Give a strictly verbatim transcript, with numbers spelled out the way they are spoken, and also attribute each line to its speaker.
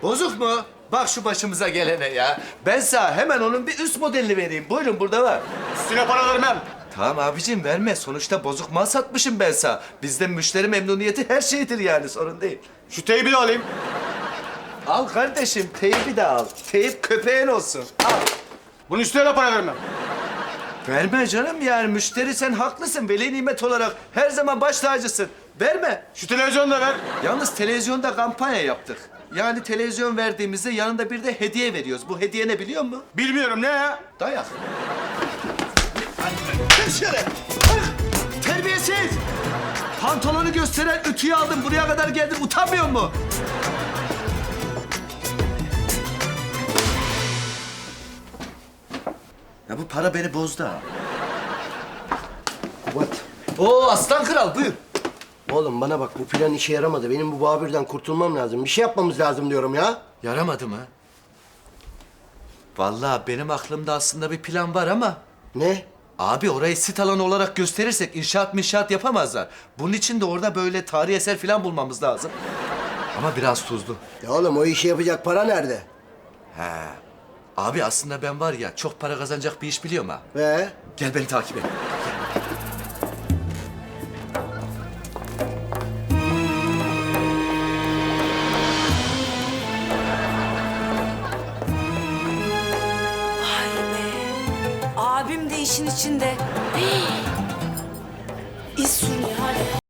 Speaker 1: Bozuk mu? Bak şu başımıza gelene ya. Ben sana hemen onun bir üst modelini vereyim. Buyurun burada var.
Speaker 2: Üstüne para vermem.
Speaker 1: Tamam abicim verme. Sonuçta bozuk mal satmışım ben sana. Bizde müşteri memnuniyeti her şeydir yani sorun değil.
Speaker 2: Şu teybi de alayım.
Speaker 1: Al kardeşim teybi de al. Teyip köpeğin olsun. Al.
Speaker 2: Bunun üstüne de para vermem.
Speaker 1: Verme canım yani müşteri sen haklısın. Veli nimet olarak her zaman baş tacısın. Verme.
Speaker 2: Şu televizyonu da ver.
Speaker 1: Yalnız televizyonda kampanya yaptık. Yani televizyon verdiğimizde yanında bir de hediye veriyoruz. Bu hediye ne biliyor musun?
Speaker 2: Bilmiyorum ne ya?
Speaker 1: Dayak. Dışarı. Terbiyesiz. Pantolonu gösteren ütüyü aldım. Buraya kadar geldin. Utanmıyor mu? Ya bu para beni bozdu ha.
Speaker 3: What?
Speaker 1: Oo aslan kral buyur.
Speaker 3: Oğlum bana bak bu plan işe yaramadı. Benim bu Babür'den kurtulmam lazım. Bir şey yapmamız lazım diyorum ya.
Speaker 1: Yaramadı mı? Vallahi benim aklımda aslında bir plan var ama...
Speaker 3: Ne?
Speaker 1: Abi orayı sit alanı olarak gösterirsek inşaat minşaat yapamazlar. Bunun için de orada böyle tarihi eser falan bulmamız lazım. Ama biraz tuzlu.
Speaker 3: Ya oğlum o işi yapacak para nerede?
Speaker 1: He. Abi aslında ben var ya çok para kazanacak bir iş biliyorum ha.
Speaker 3: Ve?
Speaker 1: Gel beni takip et.
Speaker 4: Vay be. Abim de işin içinde. Hii. İz sürüyor hadi.